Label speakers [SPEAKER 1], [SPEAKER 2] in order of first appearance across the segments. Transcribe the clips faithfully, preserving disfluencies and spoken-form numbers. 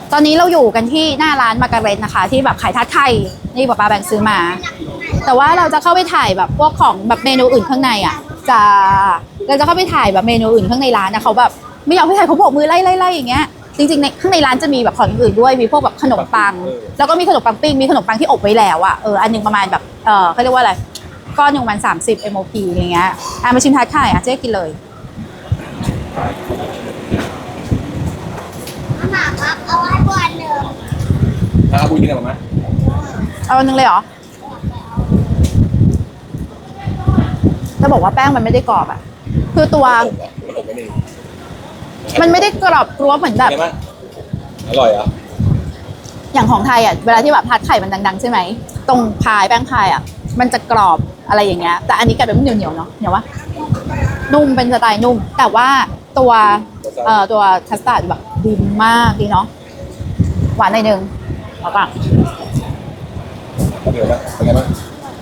[SPEAKER 1] ตอนนี้เราอยู่กันที่หน้าร้านมาการเร็ตนะคะที่แบบขายทาร์ตไข่นี่ป๊าป๊าแบ่งซื้อมาแต่ว่าเราจะเข้าไปถ่ายแบบพวกของแบบเมนูอื่นข้างในอ่ะจะเราจะเข้าไปถ่ายแบบเมนูอื่นข้างในร้านนะเขาแบบไม่ยอมให้ถ่ายเขาโบกมือไล่ไล่ไล่อย่างเงี้ยจริงๆในข้างในร้านจะมีแบบของอื่นด้วยมีพวกแบบขนมปังแล้วก็มีขนมปังปิ้งมีขนมปังที่อบไว้แล้วอ่ะเอออันนึงประมาณแบบเออเขาเรียกว่าอะไรก้อนหนึ่งประมาณสามสิบ เอ็ม โอ พี อย่างเงี้ยอ่ะมาชิมทาร์ตไข่อ่ะเจ๊กินเลย
[SPEAKER 2] หมาครับเอาไว้บนหนึ่ง
[SPEAKER 3] เอาบุญกินอะไรไหม
[SPEAKER 1] เอาอันนึงเลยเหรอจะบอกว่าแป้งมันไม่ได้กรอบอ่ะคือตัวมันไม่ได้กรอบกรวบเหมือนแบบ
[SPEAKER 3] อร่อยอ่ะ
[SPEAKER 1] อย่างของไทยอ่ะเวลาที่แบบทาร์ตไข่มันดังๆใช่ไหมตรงพายแป้งพายอ่ะมันจะกรอบอะไรอย่างเงี้ยแต่อันนี้กลายเป็นเหนียวเหนียวเนาะเหนียววะนุ่มเป็นสไตล์นุ่มแต่ว่าตัวเอ่อตัวคัสตาร์ดแบบดีมากดีเนาะหวานหน่อยนึงแล้วก็
[SPEAKER 3] เดี๋ยวนะเป็นไงบ้าง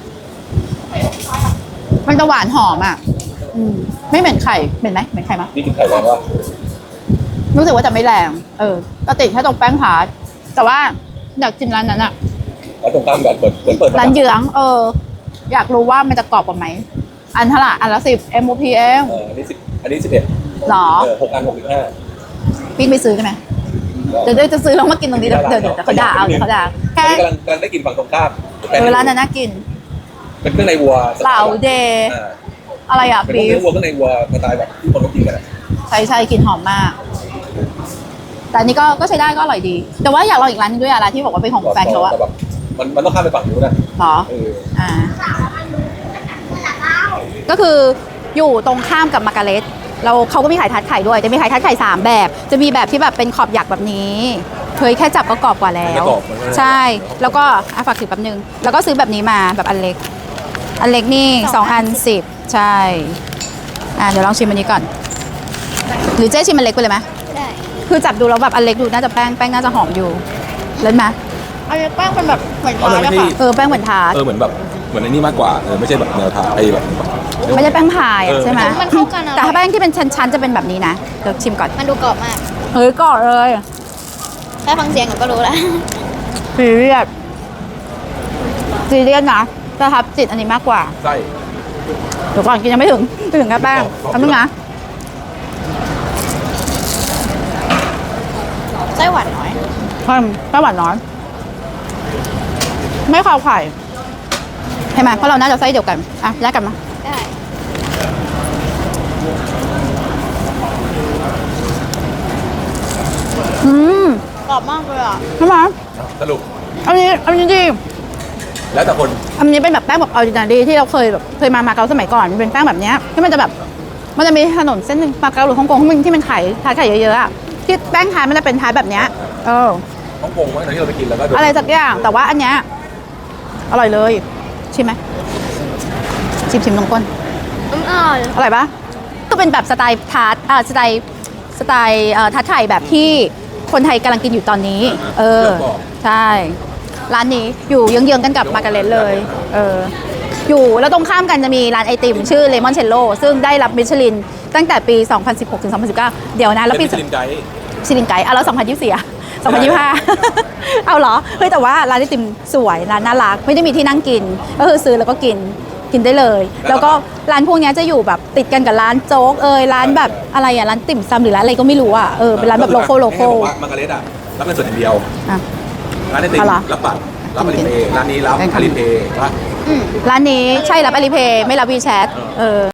[SPEAKER 1] มันจะหวานหอมอ่ะอืมไม่เหม็นไข่เหม็นไหมเหม็นไข่มั้ย
[SPEAKER 3] นี่กินไข่แรงวะ
[SPEAKER 1] รู้สึกว่าจะไม่แรงเออก็ติดแค่ตรงแป้งพาร์ทแต่ว่าอยากกินร้านนั้นอ่ะ
[SPEAKER 3] แล้วตรงกลางแบบเปิดเปิดเปิด
[SPEAKER 1] ร้านเยื้องเอออยากรู้ว่ามันจะกรอบกว่าไหมอันเท่าไหร่อันละสิบ เอ็ม โอ พี เอง
[SPEAKER 3] เอออันนี้สิบอันนี้สิบเอ็ด
[SPEAKER 1] หรอ
[SPEAKER 3] เออหกอันหกสิบห้า
[SPEAKER 1] พี่ไปซื้อกันไหมเดี๋ยวเดี๋ยวจะซื้อแล้วมากินตรงนี้เดี๋ยวเดี๋ยวเดี๋ยวเขาด่าเอาเดี๋ยวเขาด่าแค่
[SPEAKER 3] กำลังกำลังได้กินฝั่งตรงข้าม
[SPEAKER 1] เออร้านนั้นน่ากิน
[SPEAKER 3] เป็นเครื่องในวัว
[SPEAKER 1] เหลาเดย์อะไรอ่ะ
[SPEAKER 3] บีฟเป็นเครื่องวัวเครื่องในวัวสไตล์แบบที่คนเขากินกัน
[SPEAKER 1] ใช่ใช่กินหอมมากแต่อันนี้ก็ก็ใช้ได้ก็อร่อยดีแต่ว่าอยากลองอีกร้านนึงด้วยอะร้านที่บอกว่าเป็นของแฟนเขาอะ
[SPEAKER 3] มันมันต้องข้ามไปฝั่งนู้นนะ
[SPEAKER 1] หรออ่าก็คืออยู่ตรงข้ามกับมาการ์เร็ตเราเขาก็มีขายทาร์ตไข่ด้วยจะมีขายทาร์ตไข่สามแบบจะมีแบบที่แบบเป็นขอบหยักแบบนี้เคยแค่จับก็กรอบกว่าแล้วใช่แล้วก็อ่ะฝากถือแป๊บนึงแล้วก็ซื้อแบบนี้มาแบบอันเล็กอันเล็กนี่สองอันสิบใช่อ่ะเดี๋ยวลองชิมอันนี้ก่อนหรือเจ๊ชิมอันเล็กไปเลยไหม
[SPEAKER 2] ได้
[SPEAKER 1] คือจับดูแล้วแบบอันเล็กดูน่าจะแป้งแป้งน่าจะหอมอยู่เล่นไหมอันนี้แป้งเป็นแบบเหมือนทาร์ตนะคะเออแป้งเหมือนทาร์ต
[SPEAKER 3] เออเหมือนแบบเหมือนในนี่มากกว่าเออไม่ใช่แบบแนวทาร์ตไอ้แบบ
[SPEAKER 1] ไม่ใช่แป้งพายใช่ไหมมันเข้ากันแต่ถ้าแป้งที่เป็นชั้นๆจะเป็นแบบนี้นะเดี๋ยวชิมก่อน
[SPEAKER 2] มันดูกรอบมาก
[SPEAKER 1] เฮ้ยกรอบเลย
[SPEAKER 2] แค่ฟังเสียงก็รู้แล้ว
[SPEAKER 1] ซีเรียสซีเรียสนะประทับจิตอันนี้มากกว่า
[SPEAKER 3] ใช่
[SPEAKER 1] เดี๋ยวก่อนกินยังไม่ถึงถึงแค่แป้งทำนึงนะ
[SPEAKER 2] ไส้หวานน้อย
[SPEAKER 1] ใช่ไส้หวานน้อยไม่คาวไข่ใช่ไหมเพราะเราน่าจะไส้เดียวกันอ่ะแยกกันมา
[SPEAKER 2] ได้
[SPEAKER 1] อืม
[SPEAKER 2] กรอบมากเลยอ่ะ
[SPEAKER 1] ใช่ไหม
[SPEAKER 3] สรุป
[SPEAKER 1] อันนี้อันนี้ดี
[SPEAKER 3] แล้วแต่คน
[SPEAKER 1] อันนี้เป็นแบบแป้งแบบออริจินัลดีที่เราเคยแบบเคยมามาเก๊าสมัยก่อนมันเป็นแป้งแบบนี้ที่มันจะแบบมันจะมีถนนเส้นหนึ่งมาเก๊าหรือฮ่องกงที่มันที่มันขายทาร์ตไข่เยอะๆอ่ะที่แป้งทาร์ตมันจะเป็นทาร์ตแบบนี้เออ
[SPEAKER 3] ฮ่องกงว่าที่เราไปกินแล้วก็
[SPEAKER 1] อะไรสักอย่างแต่ว่าอันเนี้ยอร่อยเลยชิมไหมชิมชิมนมก้น
[SPEAKER 2] อร่อย
[SPEAKER 1] อร่อยปะก็เป็นแบบสไตล์ทาร์ตอ่าสไตล์สไตล์เอ่อทาร์ตไข่แบบที่คนไทยกำลังกินอยู่ตอนนี้เออใช่ร้านนี้อยู่เยื้องๆกันกับมาการ์เร็ตเลยเอออยู่แล้วตรงข้ามกันจะมีร้านไอติมชื่อเลมอนเชลโลซึ่งได้รับมิชลินตั้งแต่ปีสองพันสิบหกถึงสองพันสิบเก้าเดี๋ยวนะแล้วปี
[SPEAKER 3] มิชลินไกด์
[SPEAKER 1] มิชลินไกด์อ่ะแล้วสองพันยี่สิบสี่อ่ะสองพันยี่สิบห้าเอาเหรอเฮ้ยแต่ว่าร้านไอติมสวยร้านน่ารักไม่ได้มีที่นั่งกินก็คือซื้อแล้วก็กินกินได้เลยแล้วก็ร้านพวกนี้จะอยู่แบบติดกันกับร้านโจ๊กเอยร้านแบบอะไรอ่ะร้านติ่มซำหรือร้านอะไรก็ไม่รู้อ่ะเออเป็นร้านแบบโลโก้โลโก้
[SPEAKER 3] มาการ์เร็ตอ่ะรับเป็นส่วนอย่างเดียว
[SPEAKER 1] อ่ะ
[SPEAKER 3] ร้านไอติมรับบัตรรับอลิเพย์ร้านนี้รับอลิเพย์
[SPEAKER 1] ร้านนี้ใช่รับอลิเพย์ไม่รับวีแชทเออ